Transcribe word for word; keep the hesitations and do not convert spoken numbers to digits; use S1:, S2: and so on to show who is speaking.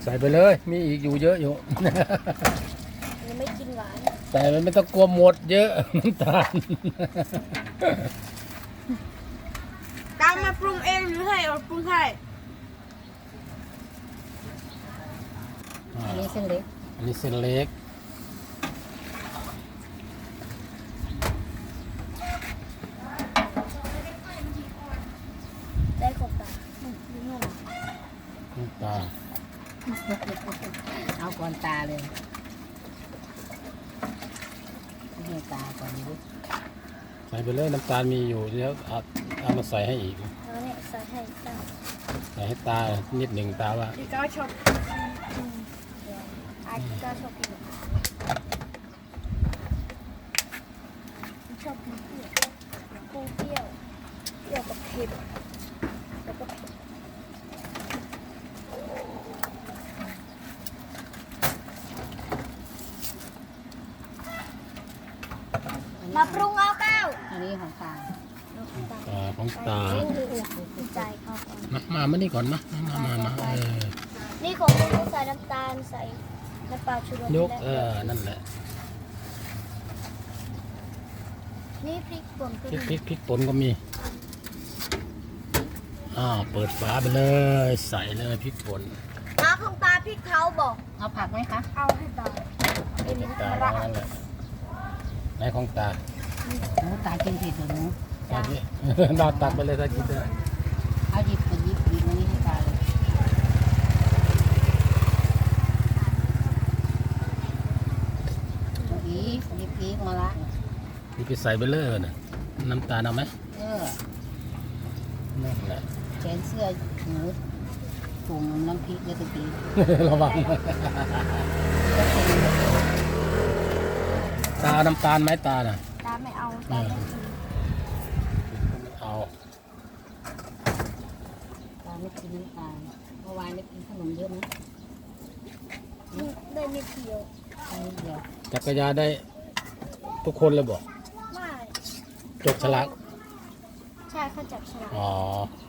S1: ใส่ไปเลยมีอีกอยู่เยอะอยู่
S2: ยังไม่กินหวาน
S1: ใส่มันไม่ต้องกลัวหมดเยอะน้ำตาล
S2: ตามมาปรุงเองหรือให้เราปรุงให้
S3: อันนี้เส้นเล็ก
S1: อันนี้เส้นเล็ก
S2: ได้ขอบตาอืมนี่งง
S1: น้ำตาล
S3: เอาก่อนตาเลยให้ตาก่อนดิ
S1: ใส่ไปเลยน้ำตาลมีอยู่แล้วเอาเอามาใส่ให้อีก
S2: แล้วเนี่ยใส่ให้ตา
S1: ใส่ให้ตานิดหนึ่งตาว่า
S2: พี่ก้าชอบอืมอาพี่ก้าชอบกินชอบกินเปรี้ยวปูเปรี้ยวเปรี้ยวกับเค็มแล้วก็เผ็ดมาปรุงเอาเก้า
S3: อันนี้ของตา
S1: ตาของตา
S2: ใจเขาก่อน
S1: มามามานี่ก่อนมามามามาเออ
S2: นี่ของลุงใส่น้ำตาลใส่น้ำปลาชูรส
S1: ยก
S2: และ
S1: เออนั่นแหละ
S2: นี่พริกป่นก็
S1: พริก
S2: มี
S1: พริกพริกป่นก็มีอ้าวเปิดฝาไปเลยใส่เลยพริกป่น
S2: น้าของตาพริกเขาบอก
S3: เอาผักไหมคะ
S2: เอาให้ตาเป็น
S1: ตา
S2: ระ
S1: นั่นแหละไหนของตา
S3: หนูตากินเผ็ดเหรอหนู
S1: ตาที่ นอนตักไปเลยถ้ากินได้
S3: เอาหยิบไปหยิบหยิบอันนี้ให้ตาเลยอีกหยิบอีกมาละ
S1: นี่ไปใส่ไปเลยนะน้ำตาลเอาไหม
S3: เออ
S1: นั่นแหละ
S3: แขนเสื้อหนูถุงน้ำพริกแล้วตะกี้
S1: ระวังตาเอาน้ำตาลไหมตาน่ะ
S2: ตาไม่เอาตาไม่กิน
S1: เอา
S3: ตาไม่กินน้ำตาลเมื่อวานได้กินขนมเยอะไหม
S2: นี่ได้ไม่เพียว
S3: อันนี้เดียว
S1: จักรยานได้ทุกคนเลยบอก
S2: ไม่
S1: จดฉลาก
S2: ใช่เขาจับฉลาก
S1: อ๋อ
S2: เ